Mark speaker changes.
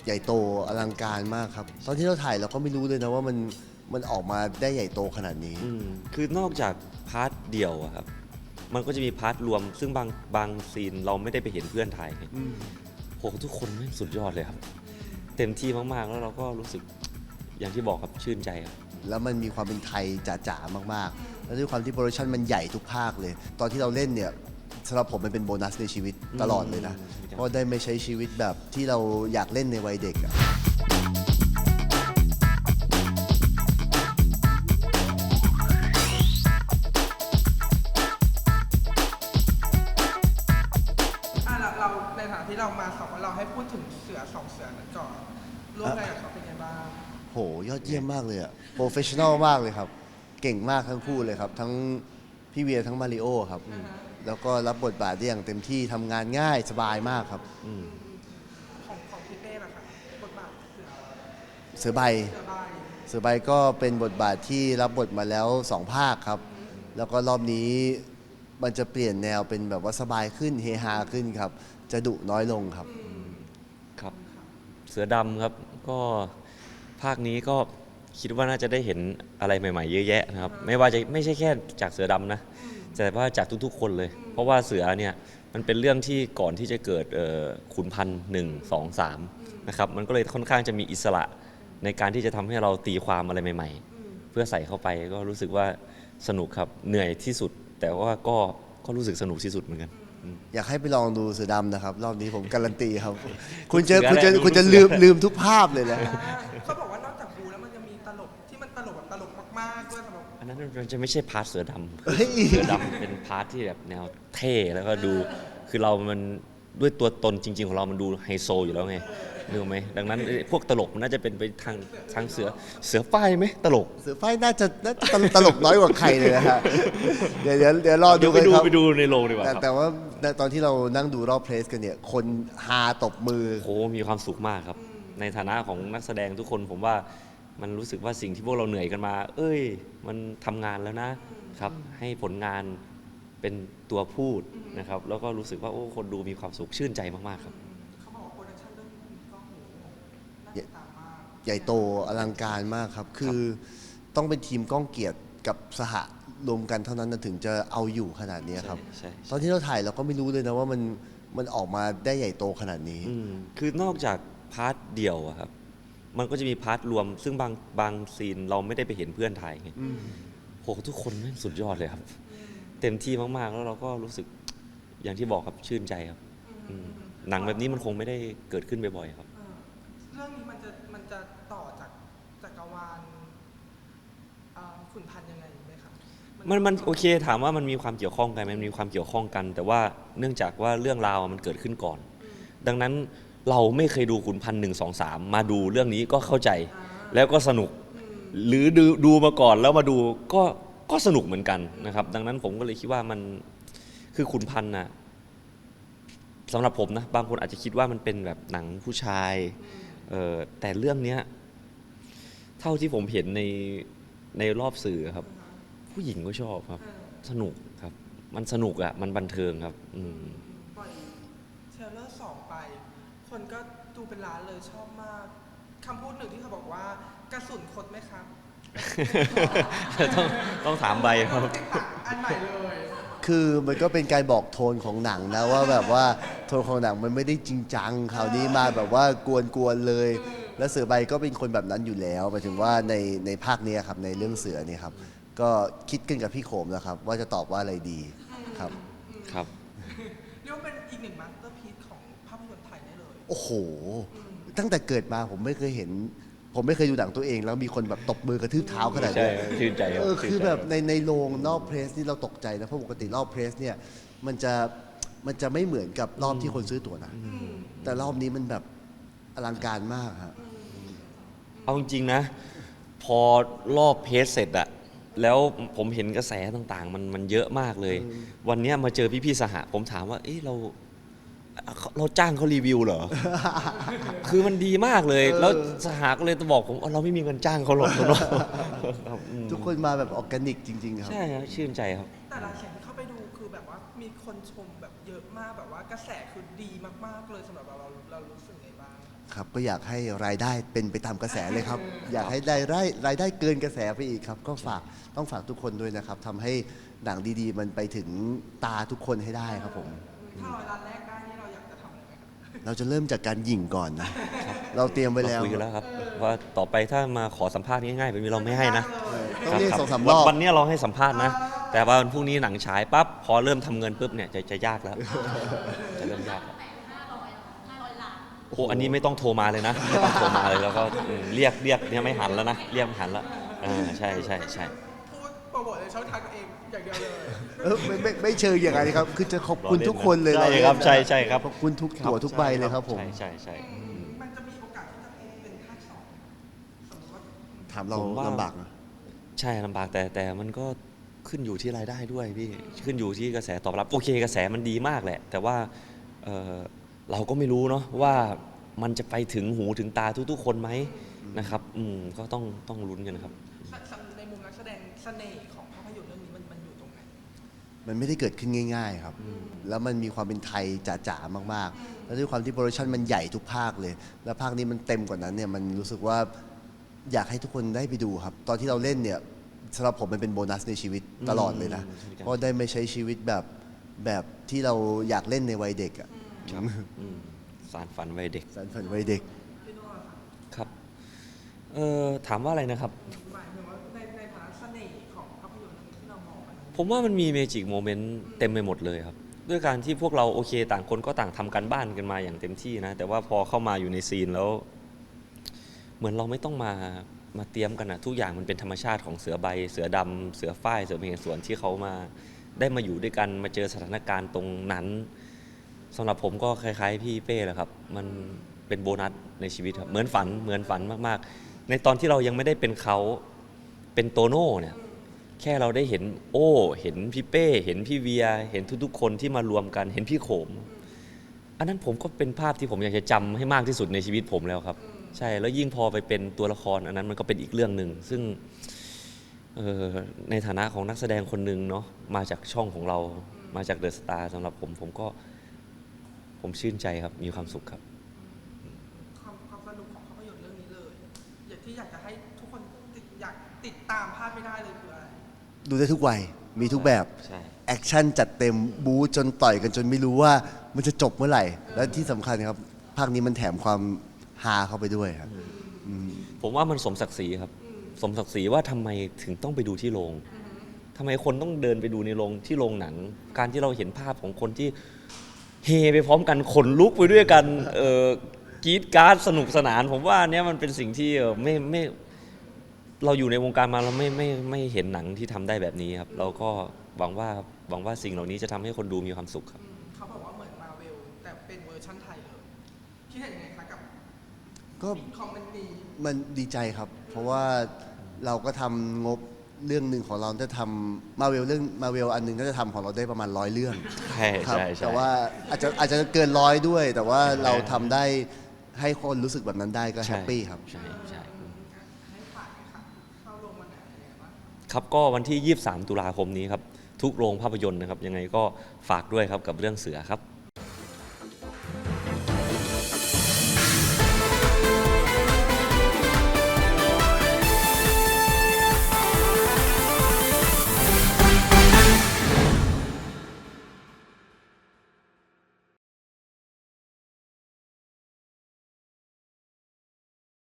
Speaker 1: ใหญ่โตอลังการมากครับตอนที่เราถ่ายเราก็ไม่รู้เลยนะว่ามันออกมาได้ใหญ่โตขนาดนี้
Speaker 2: คือนอกจากพาร์ทเดี่ยวอะครับมันก็จะมีพาร์ทรวมซึ่งบางซีนเราไม่ได้ไปเห็นเพื่อนถ่ายโหทุกคนไม่สุดยอดเลยครับเต็มที่มากๆแล้วเราก็รู้สึกอย่างที่บอกครับชื่นใจครับ
Speaker 1: แล้วมันมีความเป็นไทยจ๋าๆมากๆแล้วด้วยความที่โปรดักชันมันใหญ่ทุกภาคเลย ตอนที่เราเล่นเนี่ยสำหรับผมมันเป็นโบนัสในชีวิตตลอดเลยนะเพราะได้ไม่ใช้ชีวิตแบบที่เราอยากเล่นในวัยเด็กอะ
Speaker 3: เราในฐานะที่เรามาเราให้พูดถึงเสือสองเสือนั้นก่อนร่วมงานกับเขาเป็นไงบ้าง
Speaker 1: โหยอดเยี่ยมมากเลยอะโปรเฟชชั่นอลมากเลยครับเก่งมากทั้งคู่เลยครับทั้งพี่เวียทั้งมาริโอครับแล้วก็รับบทบาทได้อย่างเต็มที่ทำงานง่ายสบายมากครับ
Speaker 3: ของพี่เป้ล่ะครับบทบาท
Speaker 1: เสือใบเสือใบก็เป็นบทบาทที่รับบทมาแล้ว2 ภาคครับแล้วก็รอบนี้มันจะเปลี่ยนแนวเป็นแบบว่าสบายขึ้นเฮฮาขึ้นครับจะดุน้อยลงครับ
Speaker 2: ครับเสือดำครับก็ภาคนี้ก็คิดว่าน่าจะได้เห็นอะไรใหม่ๆเยอะแยะนะครับไม่ใช่แค่จากเสือดำนะแต่ว่าจากทุกๆคนเลยเพราะว่าเสือเนี่ยมันเป็นเรื่องที่ก่อนที่จะเกิดขุนพันธ์1 2 3นะครับมันก็เลยค่อนข้างจะมีอิสระในการที่จะทำให้เราตีความอะไรใหม่ๆเพื่อใส่เข้าไปก็รู้สึกว่าสนุกครับเหนื่อยที่สุดแต่ว่าก็รู้สึกสนุกที่สุดเหมือนกัน
Speaker 1: อยากให้ไปลองดูเสือดำนะครับรอบนี้ผมการันตีครับ คุ
Speaker 2: ณ
Speaker 1: จะลืมทุกภาพเลยนะ
Speaker 3: เขาบอกว่านอกจากบูแล้วมันยังมีตลกที่มันตลกแบบตลกมากๆด้วยสำหรับ
Speaker 2: อันนั้นมันจะไม่ใช่พาร์ทเสือดำเสือดำเป็นพาร์ทที่แบบแนวเท่แล้วก็ดูคือเรามันด้วยตัวตนจริงๆของเรามันดูไฮโซอยู่แล้วไงนึกไหมดังนั้นพวกตลกมันน่าจะเป็นไปทางเสือฝ้ายไหมตลก
Speaker 1: เสือฝ้ายน่าจะตลกน้อยกว่าใครเลยนะฮะเดี๋ยวรอดูกันครับ
Speaker 2: ไปดูในโรงดีกว่า
Speaker 1: แต่ว่าตอนที่เรานั่งดูรอบเพลสกันเนี่ยคนฮาตบมือ
Speaker 2: โอ้มีความสุขมากครับในฐานะของนักแสดงทุกคนผมว่ามันรู้สึกว่าสิ่งที่พวกเราเหนื่อยกันมามันทำงานแล้วนะครับให้ผลงานเป็นตัวพูดนะครับแล้วก็รู้สึกว่าคนดูมีความสุขชื่นใจมากๆครับ
Speaker 3: เขาบอกว่าโปรดักชั่นเรื่องนี้ก็โหน่าติดตามมาก
Speaker 1: ใหญ่โตอลังการมากครับคือต้องเป็นทีมก้องเกียรติกับสหรวมกันเท่านั้นถึงจะเอาอยู่ขนาดนี้ครับตอนที่เราถ่ายเราก็ไม่รู้เลยนะว่ามันออกมาได้ใหญ่โตขนาดนี้
Speaker 2: คือนอกจากพาร์ทเดี่ยวอะครับมันก็จะมีพาร์ทรวมซึ่งบางซีนเราไม่ได้ไปเห็นเพื่อนถ่ายไงโหทุกคนไม่สุดยอดเลยครับเต็มที่มากๆแล้วเราก็รู้สึกอย่างที่บอกครับชื่นใจครับหนังแบบนี้มันคงไม่ได้เกิดขึ้นบ่อยๆครับ
Speaker 3: เรื่องนี้มันจะต่อจากจักรวาลขุนพันธ์ยังไงไหมครับ
Speaker 2: มันโอเคถามว่ามันมีความเกี่ยวข้องกันมันมีความเกี่ยวข้องกัน แต่ว่าเนื่องจากว่าเรื่องราวมันเกิดขึ้นก่อนดังนั้นเราไม่เคยดูขุนพันธ์1 2 3มาดูเรื่องนี้ก็เข้าใจแล้วก็สนุกหรือดูมาก่อนแล้วมาดูก็สนุกเหมือนกันนะครับดังนั้นผมก็เลยคิดว่ามันคือขุนพันธ์นะสำหรับผมนะบางคนอาจจะคิดว่ามันเป็นแบบหนังผู้ชายแต่เรื่องนี้เท่าที่ผมเห็นในรอบสื่อครับผู้หญิงก็ชอบครับสนุกครับมันสนุกมันบันเทิงครับ
Speaker 3: ปล่อยเทรลเลอร์2ไปคนก็ดูเป็นล้านเลยชอบมากคำพูดหนึ่งที่เขาบอกว่ากระสุนคดไหมครับ
Speaker 2: ต้องถามใบครับ
Speaker 3: อันใหม่เลย
Speaker 1: คือมันก็เป็นการบอกโทนของหนังนะว่าแบบว่าโทนของหนังมันไม่ได้จริงจังคราวนี้มาแบบว่ากวนๆเลย แล้วเสือใบก็เป็นคนแบบนั้นอยู่แล้วหมายถึงว่าในภาคนี้ครับในเรื่องเสือเนี่ยครับก็คิดกันกับพี่โขมแล้วครับว่าจะตอบว่าอะไรดีครับ
Speaker 3: เรียกว่าเป็นอีกหนึ่งมาสเตอร์พีซของภาพยนตร์ไทยได้เลย
Speaker 1: โอ้โหตั้งแต่เกิดมาผมไม่เคยเห็นผมไม่เคยดูหนังตัวเองแล้วมีคนแบบตบมือกระทืบเท้าขนาดนี้
Speaker 2: ชื่นใจ
Speaker 1: คือแบบในโรงนอกเพรสนี่เราตกใจนะเพราะปกติรอบเพรสเนี่ยมันจะไม่เหมือนกับรอบที่คนซื้อตั๋วนะแต่รอบนี้มันแบบอลังการมากครับ
Speaker 2: เอาจริงๆนะพอรอบเพจเสร็จอะแล้วผมเห็นกระแสต่างๆมันเยอะมากเลยวันนี้มาเจอพี่ๆสหผมถามว่าเราจ้างเขารีวิวเหรอ คือมันดีมากเลยแล้วสหก็เลยบอกผมเราไม่มีเงินจ้างเขาหรอก
Speaker 1: ทุกคนมาแบบออร์แกนิกจริงๆครับ
Speaker 2: ใช่ครับชื่นใจครับ
Speaker 3: แต่ละเสียงที่เข้าไปดูคือแบบว่ามีคนชมแบบเยอะมากแบบว่ากระแสคือดีมากๆเลยสำหรับเรารู้สึกไงบ้าง
Speaker 1: ครับก็อยากให้รายได้เป็นไปตามกระแสเลยครับ อยากให้รายได้เกินกระแสไปอีกครับ ก็ต้องฝากทุกคนด้วยนะครับทำให้หนังดีๆ มันไปถึงตาทุกคนให้ได้ครับผม
Speaker 3: ถ้า100 ล้านแรกได้นี่เราอยากจะทำอะไรไหมครับ
Speaker 1: เราจะเริ่มจากการหยิ่งก่อนนะ เราเตรียมไว้แล้ว
Speaker 2: คุยกันแล้วครับว่าต่อไปถ้ามาขอสัมภาษณ์ง่ายๆแบบนี้เราไม่ให้นะ
Speaker 1: ต้องเรียก
Speaker 2: คบ
Speaker 1: 2-3 รอบ
Speaker 2: วันนี้เราให้สัมภาษณ์นะ แต่ว่าวันพรุ่งนี้หนังฉายปั๊บพอเริ่มทำเงินปุ๊บเนี่ยจะยากแล้ว จะเริ่มยากแล้วโอ้อันนี้ไม่ต้องโทรมาเลยนะไม่ต้องโทรมาเลยแล้วก็เรียกเนี่ยไม่หันแล้วนะเรียกไม่หันแล้วใช่
Speaker 3: พูดโปรโมทในช่องทางตัวเองอย่างเดียวเลย
Speaker 1: ไม่เชิงอย่างไรครับ คือจะขอบคุณทุกคนเลย
Speaker 2: ใช่ครับใช่ครับ
Speaker 1: ขอบคุณทุกตัวทุกใบเลยครับผม
Speaker 2: ใช่
Speaker 3: มันจะมีโอกาสที่จะเป็นภาคสองสมมติว่า
Speaker 1: ถามเรา
Speaker 2: ผมว่า
Speaker 1: ลำบากนะ
Speaker 2: ใช่ลำบากแต่มันก็ขึ้นอยู่ที่รายได้ด้วยพี่ขึ้นอยู่ที่กระแสตอบรับโอเคกระแสมันดีมากแหละ แต่ว่าเราก็ไม่รู้เนาะว่ามันจะไปถึงหูถึงตาทุกๆคนไหมนะครับก็ต้องลุ้นกันครับ
Speaker 3: ในมุมนักแสดงเสน่ห์ของภาพยนตร์เรื่องนี้มันอยู่ตรงไหน
Speaker 1: มันไม่ได้เกิดขึ้นง่ายๆครับ แล้วมันมีความเป็นไทยจ๋าๆมากๆ แล้วด้วยความที่โปรดักชันมันใหญ่ทุกภาคเลย แล้วภาคนี้มันเต็มกว่านั้นเนี่ย มันรู้สึกว่าอยากให้ทุกคนได้ไปดูครับ ตอนที่เราเล่นเนี่ยสำหรับผมมันเป็นโบนัสในชีวิตตลอดเลยนะ เพราะได้ไม่ใช้ชีวิตแบบที่เราอยากเล่นในวัยเด็กอ่ะ
Speaker 2: ครับสารฝันวัยเด็ก
Speaker 1: สารฝันวัยเด็ก
Speaker 3: พี่โน่ล่ะคะ
Speaker 2: ครับถามว่าอะไรนะครับ
Speaker 3: หมายถึงว่าในฐานะเสน่ห์ของภาพยนตร์เรื่องนี้ที่เรามองมัน
Speaker 2: ผมว่ามันมีเมจิกโมเมนต์เต็มไปหมดเลยครับ ด้วยการที่พวกเราโอเคต่างคนก็ต่างทำการบ้านกันมาอย่างเต็มที่นะ แต่ว่าพอเข้ามาอยู่ในซีนแล้ว เหมือนเราไม่ต้องมาเตรียมกันนะทุกอย่างมันเป็นธรรมชาติของเสือใบ เสือดำเสือฝ้ายเสือเมฆสวนที่เขามาได้มาอยู่ด้วยกันมาเจอสถานการณ์ตรงนั้นสำหรับผมก็คล้ายๆพี่เป้แหละครับ มันเป็นโบนัสในชีวิตครับเหมือนฝันมากๆ ในตอนที่เรายังไม่ได้เป็นเขาเป็นโตโน่เนี่ยแค่เราได้เห็นเห็นพี่เป้เห็นพี่เวียเห็นทุกๆคนที่มารวมกันเห็นพี่โขม อันนั้นผมก็เป็นภาพที่ผมอยากจะจำให้มากที่สุดในชีวิตผมแล้วครับ ใช่แล้วยิ่งพอไปเป็นตัวละครอันนั้นมันก็เป็นอีกเรื่องหนึ่งซึ่งในฐานะของนักแสดงคนหนึ่งเนาะมาจากช่องของเรามาจากเดอะสตาร์สำหรับผมชื่นใจครับมีความสุขครับ
Speaker 3: ความสนุกของภาพยนตร์เรื่องนี้เลยอยากจะให้ทุกคนอยากติดตามพลาดไม่ได้เลยคืออะไร
Speaker 1: ดูได้ทุกวัย มีทุกแบบ
Speaker 2: ใช่
Speaker 1: แอคชั่นจัดเต็มบู๊จนต่อยกันจนไม่รู้ว่ามันจะจบเมื่อไหร่ และที่สำคัญครับ ภาคนี้มันแถมความฮาเข้าไปด้วยครับ
Speaker 2: ผมว่ามันสมศักดิ์ศรีครับ สมศักดิ์ศรีว่าทำไมถึงต้องไปดูที่โรงทำไมคนต้องเดินไปดูในโรงที่โรงหนัง การที่เราเห็นภาพของคนที่เฮไปพร้อมกันขนลุกไปด้วยกันกรี๊ดกราร์ดสนุกสนาน ผมว่าเนี้ยมันเป็นสิ่งที่ไม่เราอยู่ในวงการมาเราไม่เห็นหนังที่ทำได้แบบนี้ครับ เราก็หวังว่าสิ่งเหล่านี้จะทำให้คนดูมีความสุขครับ
Speaker 3: เขาบอกว่าเหมือนมาเวลแต่เป็นเวอร์ชั่นไทยเลยคิดเห็นยังไงคะกับ
Speaker 1: ก็
Speaker 3: คอมเมนต์นี้
Speaker 1: มันดีใจครับ เพราะว่าเราก็ทำงบเรื่องหนึ่งของเราจะทำมาเวลอันหนึงก็จะทำของเราได้ประมาณ100 เรื่อง
Speaker 2: ใช่
Speaker 1: ครับ
Speaker 2: ใช่
Speaker 1: แต่ว่าอาจจะเกิน100ด้วย แต่ว่าเราทำได้ให้คนรู้สึกแบบนั้นได้ก็แฮปปี้ครับ
Speaker 2: ใช่
Speaker 3: ให้ฝากเลยค่ะเข้าโรงวันไหนอะไรอย่างเงี้ยบ้าง
Speaker 2: ครับก็วันที่ 23 ตุลาคมนี้ครับ ทุกโรงภาพยนตร์นะครับ ยังไงก็ฝากด้วยครับกับเรื่องเสือครับ